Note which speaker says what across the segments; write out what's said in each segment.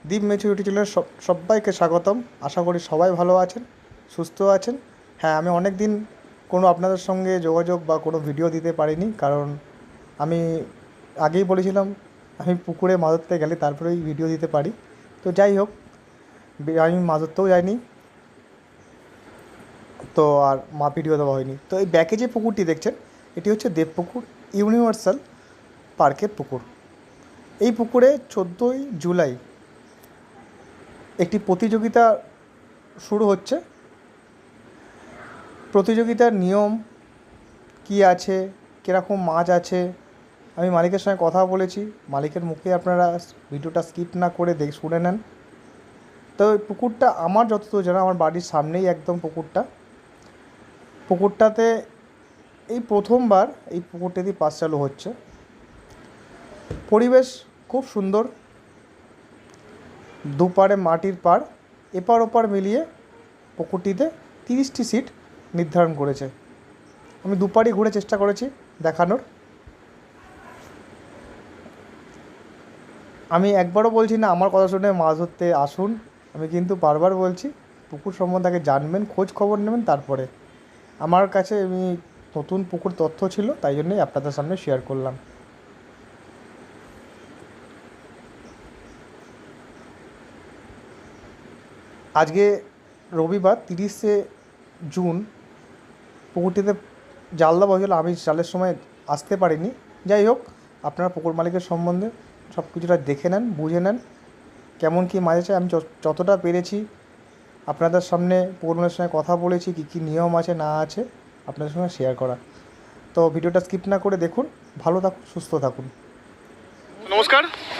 Speaker 1: দীপ মেচু YouTube চ্যানেলে সবাইকে স্বাগতম। আশা করি সবাই ভালো আছেন, সুস্থ আছেন। হ্যাঁ, আমি অনেক দিন কোনো আপনাদের সঙ্গে যোগাযোগ বা কোনো ভিডিও দিতে পারিনি, কারণ আমি আগেই বলেছিলাম আমি পুকুরে মাছ ধরতে গেলে তারপরেই ভিডিও দিতে পারি। তো যাই হোক, আমি মাছ ধরতেও যাইনি, তো আর ভিডিও দেওয়া হয়নি। তো এই ব্যাকে যে পুকুরটি দেখছেন, এটি হচ্ছে দেবপুকুর ইউনিভার্সাল পার্কের পুকুর। এই পুকুরে 14ই জুলাই একটি প্রতিযোগিতা শুরু হচ্ছে। প্রতিযোগিতার নিয়ম কী আছে, কীরকম মাছ আছে, আমি মালিকের সঙ্গে কথা বলেছি। মালিকের মুখে আপনারা ভিডিওটা স্কিপ না করে শুনে নেন। তো এই পুকুরটা আমার যতদূর জানা, আমার বাড়ির সামনেই একদম পুকুরটাতে এই প্রথমবার এই পুকুরটাতে পাস চালু হচ্ছে। পরিবেশ খুব সুন্দর, দুপারে মাটির পাড়, এপার ওপার মিলিয়ে পুকুরটিতে 30টি সিট নির্ধারণ করেছে। আমি দুপারই ঘুরে চেষ্টা করেছি দেখানোর। আমি একবারও বলছি না আমার কথা শুনে মাছ ধরতে আসুন, আমি কিন্তু বারবার বলছি পুকুর সম্বন্ধে আগে জানবেন, খোঁজ খবর নেবেন, তারপরে। আমার কাছে আমি নতুন পুকুর তথ্য ছিল, তাই জন্যই আপনাদের সামনে শেয়ার করলাম। আজকে রবিবার 30শে জুন, পুকুরটিতে জাল দেওয়া হয়েছিল। আমি জালের সময় আসতে পারিনি। যাই হোক, আপনারা পুকুর মালিকের সম্বন্ধে সব কিছুটা দেখে নেন, বুঝে নেন কেমন কী মাছ আছে। আমি যতটা পেরেছি আপনাদের সামনে পুকুর মালিকের সঙ্গে কথা বলেছি, কী কী নিয়ম আছে না আছে আপনাদের সঙ্গে শেয়ার করা। তো ভিডিওটা স্কিপ না করে দেখুন। ভালো থাকুন, সুস্থ থাকুন।
Speaker 2: নমস্কার।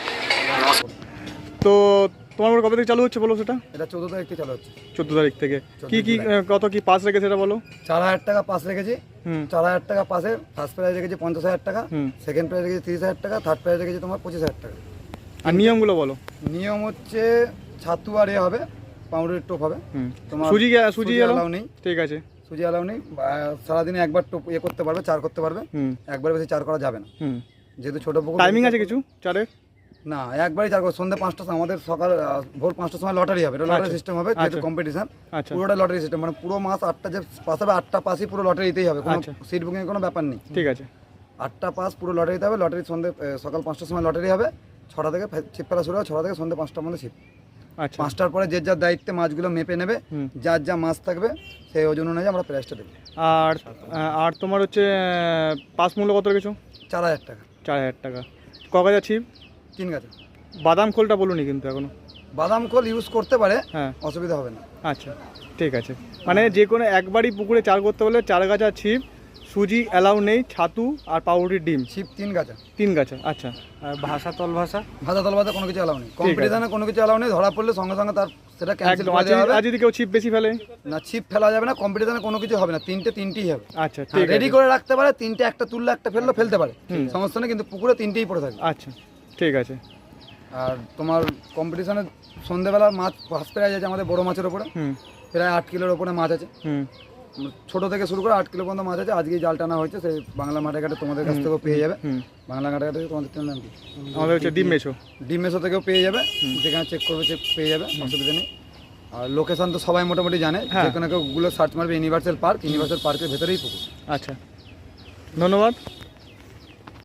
Speaker 2: তো তোমার কবে থেকে চালু হচ্ছে বলো সেটা?
Speaker 3: এটা 14 তারিখ থেকে চালু হচ্ছে।
Speaker 2: 14 তারিখ থেকে কি কত কি পাস রেখেছে সেটা বলো।
Speaker 3: 4,000 টাকা পাস রেখেছি। 4,000 টাকা পাসে ফার্স্ট প্রাইজ রেখেছি 50,000 টাকা, সেকেন্ড প্রাইজ রেখেছি 30,000 টাকা, থার্ড প্রাইজ রেখেছি তোমার 25,000 টাকা।
Speaker 2: আর নিয়মগুলো বলো।
Speaker 3: নিয়ম হচ্ছে ছাতু আর হবে, পাউডারের টোপ হবে। তোমার সুজি অ্যালাউ নেই।
Speaker 2: ঠিক আছে,
Speaker 3: সুজি অ্যালাউ নেই। সারাদিনে একবার টোপ করতে পারবে, চার করতে পারবে। একবার বেশি চার করা যাবে না, যেহেতু ছোট পুকুর।
Speaker 2: টাইমিং আছে কিছু চারের?
Speaker 3: না, একবারই চার করো। সন্ধ্যে 5টার সময়, আমাদের সকাল ভোর 5টার সময় লটারি হবে। এটা লটারি সিস্টেম হবে, যেহেতু কম্পিটিশন। পুরোটা লটারি সিস্টেম, মানে পুরো মাস 8টা যে পাস হবে 8টা পাসই পুরো লটারিতেই হবে, কোনো সিট বুকিং এর কোনো ব্যাপার নেই।
Speaker 2: ঠিক আছে,
Speaker 3: 8টা পাস পুরো লটারিতে হবে। লটারি সকাল 5টার সময় লটারি হবে, 6টা থেকে ছিপ ফেলা শুরু হবে, 6টা থেকে সন্ধ্যে 5টার মধ্যে ছিপ। 5টার পরে যে যার দায়িত্বে মাছগুলো মেপে নেবে, যার যা মাছ থাকবে সেই ওজন অনুযায়ী আমরা প্রাইসটা দেবো।
Speaker 2: আর তোমার হচ্ছে পাস মূল্য কত রেখেছো?
Speaker 3: 4,000 টাকা।
Speaker 2: 4,000 টাকা। ক গাছা ছিপ?
Speaker 3: 3 গাছা।
Speaker 2: বাদাম খোলটা বলুনি কিন্তু এখনো।
Speaker 3: বাদাম খোল ইউজ করতে পারে,
Speaker 2: হ্যাঁ,
Speaker 3: অসুবিধা হবে না।
Speaker 2: আচ্ছা, ঠিক আছে। মানে যে কোনো একবারই পুকুরে চার করতে বলে 4 গাছা ছিপ, সুজি অ্যালাউ নেই, ছাতু আর পাউরুটির ডিম।
Speaker 3: ছিপ 3 গাছা।
Speaker 2: 3 গাছা, আচ্ছা। আর ভাষা তল ভাষা
Speaker 3: কোনো কিছু অ্যালাউ নেই। কম্পিটিশনে কোনো কিছু অ্যালাউ নেই। ধরা পড়লে সঙ্গে সঙ্গে তার সেটা ক্যান্সেল করে দেওয়া হবে।
Speaker 2: আর যদি কেউ ছিপ বেশি ফেলে?
Speaker 3: না, ছিপ ফেলা যাবে না। কম্পিটিশনে কোনো কিছু হবে না। তিনটেই হবে।
Speaker 2: আচ্ছা, ঠিক আছে।
Speaker 3: রেডি করে রাখতে পারে, তিনটে, একটা তুললে একটা ফেলতে পারে, সমস্যা নেই। কিন্তু পুকুরে তিনটেই পড়ে থাকে।
Speaker 2: আচ্ছা, ঠিক আছে।
Speaker 3: আর তোমার কম্পিটিশনে সন্ধ্যেবেলা মাছ ফার্স্ট প্রাইজ আছে আমাদের বড় মাছের ওপরে, প্রায় 8 কিলোর ওপরে মাছ আছে। ছোট থেকে শুরু করে 8 কিলো পর্যন্ত মাছ আছে। আজকে জাল টানা হয়েছে, সেই বাংলা মাঠে ঘাটে তোমাদের কাছ থেকেও পেয়ে যাবে। বাংলা ঘাটে ঘাটে তোমাদের নাম কি?
Speaker 2: আমাদের হচ্ছে ডিম মেশো
Speaker 3: থেকেও পেয়ে যাবে। যেখানে চেক করবে চেক পেয়ে যাবে, অসুবিধা নেই। আর লোকেশন তো সবাই মোটামুটি জানে, যেখানে কেউ গুগলে সার্চ মারবে ইউনিভার্সাল পার্কের ভেতরেই পুকুর।
Speaker 2: আচ্ছা, ধন্যবাদ।